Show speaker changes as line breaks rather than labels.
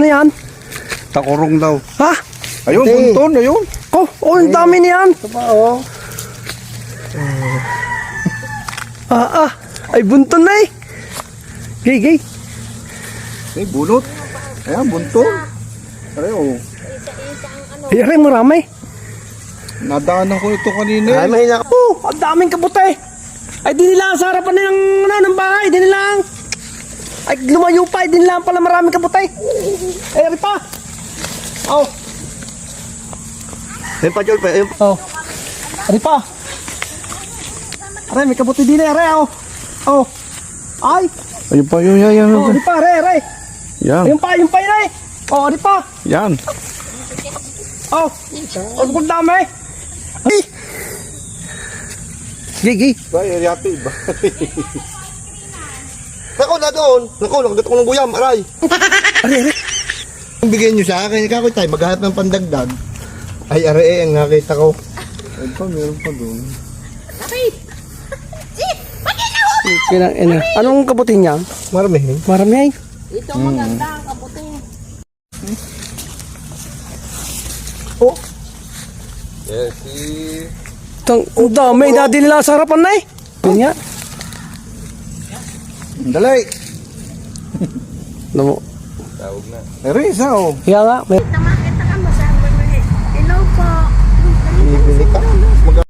Ano yan?
Takurong daw.
Ha?
Ayun,
Hindi.
bunton, ayun.
Oh, ang dami niyan.
Ito pa oh.
Ay, bunton na eh. Gay.
Ay, bunot. Ayan, bunton. Aray, oh.
Ay, aray, marami.
Nadaanan ko ito kanina.
Ay, mahina ka.
Oh, ang daming kabuti. Ay, di nila sa harapan ng bahay. Di nila. Ay, lumayo pa. Di nila pala maraming kabuti. Ay, aray pa. Oh.
Ayun pa, Jol. Ayun pa.
Oh. Aray pa. Aray, may kabuti din eh. Aray, oh. Oh. Ay.
Ayun pa, yun, yan.
Oh, aray pa, aray.
Yan,
Ayun pa, yun eh. Oh, aray pa.
yan.
Oh. Oh, ang dami. Ay. Gay.
Bay, yati ba? Nako na doon. Nako, nakagat ko ng guyam. Aray.
Aray.
Bigyan nyo sa akin. Ikaw tayo, maghanap ng pandagdag. Ay, aray, ang nakita ko.
Ayun pa, meron pa doon.
Anong kabuti niya?
Marami.
Marami ay.
Ito maganda ang kabuti.
Oh.
Yes,
Ang dami na din nila sa harapan na eh. Yun nga.
Dalay.
Alam mo.
Tawag na.
Meron isa, oh.
Kaya nga. May...
Tamakita ka masama mo eh. Hello po.
Bibili ka.